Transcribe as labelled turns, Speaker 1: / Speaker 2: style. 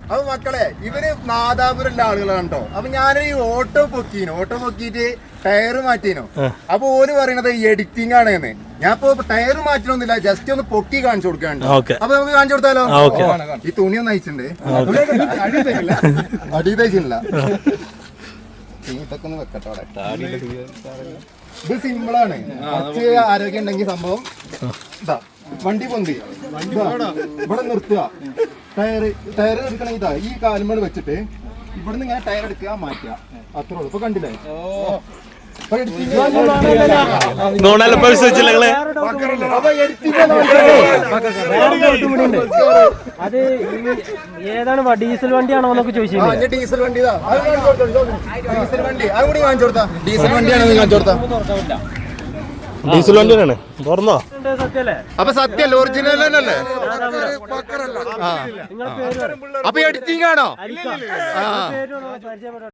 Speaker 1: അപ്പൊ മക്കളെ ഇവര് നാദാപുരല്ല ആളുകളാണ് കേട്ടോ. അപ്പൊ ഞാനൊരു ഓട്ടോ പൊക്കിയിട്ട് ടയറ് മാറ്റീനോ. അപ്പൊ ഓര് പറയണത് എഡിറ്റിംഗ് ആണെന്ന്. ഞാൻ ഇപ്പൊ ടയറ് മാറ്റണൊന്നുമില്ല, ജസ്റ്റ് ഒന്ന് പൊക്കി കാണിച്ചു കൊടുക്കാണ്ട്. അപ്പൊ നമുക്ക് കാണിച്ചു കൊടുത്താലോ? ഈ തുണി ഒന്ന് അയച്ചിട്ടുണ്ട്, അടി തയ്ച്ചില്ല. ഇതൊക്കെ ഒന്ന് വെക്കട്ടെ. ഇത് സിമ്പിളാണ്, കുറച്ച് ആരോഗ്യം ഉണ്ടെങ്കിൽ സംഭവം. ഇതാ വണ്ടി പൊന്തി ഇവിടെ നിർത്തുക, ടയർ എടുക്കണ ഇതാ ഈ കാലുമ്പോൾ വെച്ചിട്ട് ഇവിടുന്ന് ഇങ്ങനെ ടയർ എടുക്കുക, മാറ്റുക, അത്രേ ഉള്ളൂ. ഇപ്പൊ കണ്ടില്ലേ?
Speaker 2: അത് ഏതാണ് ഡീസൽ വണ്ടിയാണോ എന്നൊക്കെ ചോദിച്ചു.
Speaker 1: ഡീസൽ വണ്ടി, ഡീസൽ വണ്ടി അതുകൂടി കാണിച്ചു കൊടുത്താ. ഡീസൽ വണ്ടിയാണോ കാണിച്ചു കൊടുത്താ?
Speaker 3: ഡീസൽ വണ്ടിയാണ്. തുറന്നോ?
Speaker 1: അപ്പൊ സത്യല്ലേ, ഒറിജിനൽ അല്ലേ? അപ്പൊ എഡിറ്റിംഗ് ആണോ?